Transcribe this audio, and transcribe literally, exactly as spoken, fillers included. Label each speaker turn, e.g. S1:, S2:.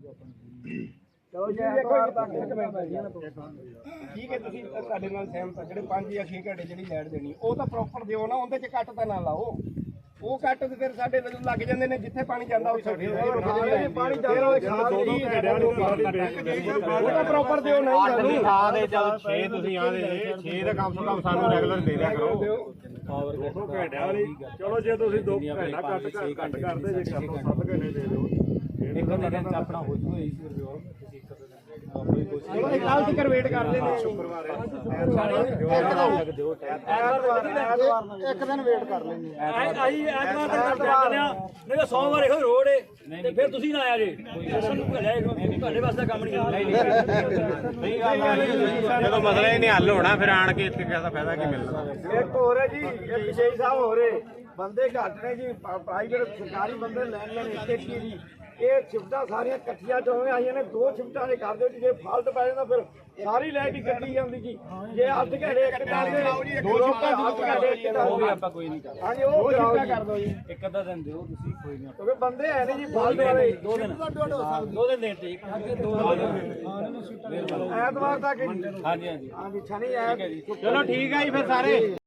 S1: ਚਲੋ ਜੀ ਐਤਵਾਰ ਤੱਕ ਇੱਕ ਮਿੰਟ ਠੀਕ ਹੈ ਤੁਸੀਂ ਸਾਡੇ ਨਾਲ ਸਹਿਮਤ ਆ ਜਿਹੜੇ ਪੰਜ ਜਾਂ ਛੇ ਘੰਟੇ ਜਿਹੜੀ ਲੈਟ ਦੇਣੀ ਉਹ ਤਾਂ ਪ੍ਰੋਪਰ ਦਿਓ ਨਾ, ਉਹਦੇ ਚ ਕੱਟ ਤਾਂ ਨਾ ਲਾਓ। ਉਹ ਕੱਟ ਤੇ ਫਿਰ ਸਾਡੇ ਲੱਗ ਜਾਂਦੇ ਨੇ ਜਿੱਥੇ ਪਾਣੀ ਜਾਂਦਾ ਉੱਥੇ ਪਾਣੀ ਜਾਂਦਾ ਉਹ ਪ੍ਰੋਪਰ ਦਿਓ ਨਹੀਂ ਸਾਨੂੰ
S2: ਥਾਂ ਦੇ ਚੱਲ ਛੇ ਤੁਸੀਂ ਆਦੇ ਛੇ ਦਾ ਕਮ ਤੋਂ ਕਮ ਸਾਨੂੰ ਰੈਗੂਲਰ ਦੇ ਦਿਆ ਕਰੋ।
S3: ਦੋ ਘੰਟਿਆਂ ਵਾਲੀ ਚਲੋ ਜੇ ਤੁਸੀਂ ਦੋ ਘੰਟਾ ਕੱਟ ਕੱਟ ਕਰਦੇ ਜੇ ਕਰ ਲਓ ਸੱਤ ਘੰਟੇ ਦੇ ਦਿਓ।
S4: ਇੱਕ ਦਿਨ ਚ ਆਪਣਾ ਹੋ ਜੂਗਾ ਇਸ ਰਿਵਿਊ ਤੁਸੀਂ ਇੱਕ ਦਿਨ ਆਪਣੀ ਕੋਸ਼ਿਸ਼
S1: ਚਲੋ ਇੱਕ ਕੱਲ ਤੱਕ ਵੇਟ ਕਰ ਲੈਂਦੇ
S3: ਸ਼ੁੱਕਰਵਾਰ
S1: ਇੱਕ ਦਿਨ ਵੇਟ ਕਰ ਲੈਂਦੇ
S4: ਆਈ ਐਤਵਾਰ ਤੱਕ ਕਰ ਜਾਂਦੇ ਆ, ਨਹੀਂ ਤਾਂ ਸੋਮਵਾਰ ਇਹੋ ਰੋਡ ਏ ਤੇ ਫਿਰ ਤੁਸੀਂ ਨਾ ਆਇਆ ਜੇ ਸਾਨੂੰ ਭਲਿਆ ਤੁਹਾਡੇ ਵਾਸਤੇ ਕੰਮ ਨਹੀਂ
S2: ਜਦੋਂ ਮਸਲਾ ਹੀ ਨਹੀਂ ਹੱਲ ਹੋਣਾ ਫਿਰ ਆਣ ਕੇ ਇੱਥੇ ਕਿਹਦਾ ਫਾਇਦਾ ਕੀ ਮਿਲਣਾ।
S1: ਇੱਕ ਹੋਰ ਹੈ ਜੀ, ਇੱਕ ਵਿਸ਼ੇਸ਼ ਸਾਹਿਬ ਹੋ ਰਹੇ ਬੰਦੇ ਘੱਟ ਨੇ ਜੀ, ਪ੍ਰਾਈਵੇਟ ਸਰਕਾਰੀ ਬੰਦੇ ਲੈਣ ਲੈਣ ਇੱਥੇ ਕੀ ਜੀ ਇਹ ਸ਼ਿਫਟਾਂ ਸਾਰੀਆਂ ਇਕੱਠੀਆਂ ਚੋਵੇਂ ਆਈਆਂ ਨੇ, ਦੋ ਸ਼ਿਫਟਾਂ ਦੇ ਕਰ ਦਿਓ ਜੀ, ਜੇ ਫਾਲਟ ਪੈ ਜਾਂਦਾ ਫਿਰ ਸਾਰੀ ਲਾਈਟ ਹੀ ਕੱਟੀ ਜਾਂਦੀ ਜੀ। ਜੇ ਅੱਧ ਘੰਟੇ ਇੱਕ ਕਰਦੇ ਦੋ ਸ਼ਿਫਟਾਂ ਅੱਧ ਘੰਟੇ ਇੱਕ
S4: ਉਹ ਵੀ ਆਪਾਂ ਕੋਈ ਨਹੀਂ ਕਰਦੇ।
S1: ਹਾਂਜੀ ਉਹ ਸ਼ਿਫਟਾਂ ਕਰ ਦਿਓ ਜੀ,
S4: ਇੱਕ ਅੱਧਾ ਦਿਨ ਦਿਓ ਤੁਸੀਂ, ਕੋਈ ਨਹੀਂ
S1: ਕਿਉਂਕਿ ਬੰਦੇ ਹੈ ਨਹੀਂ ਜੀ ਫਾਲਟ ਵਾਲੇ।
S4: ਦੋ ਦਿਨ ਦੋ ਦਿਨ ਦੇ ਠੀਕ ਦੋ
S1: ਐਤਵਾਰ ਤੱਕ ਜੀ,
S4: ਹਾਂਜੀ ਹਾਂਜੀ
S1: ਹਾਂਜੀ ਸ਼ਨੀ ਐਤ
S2: ਚਲੋ ਠੀਕ ਆ ਜੀ ਫਿਰ ਸਾਰੇ।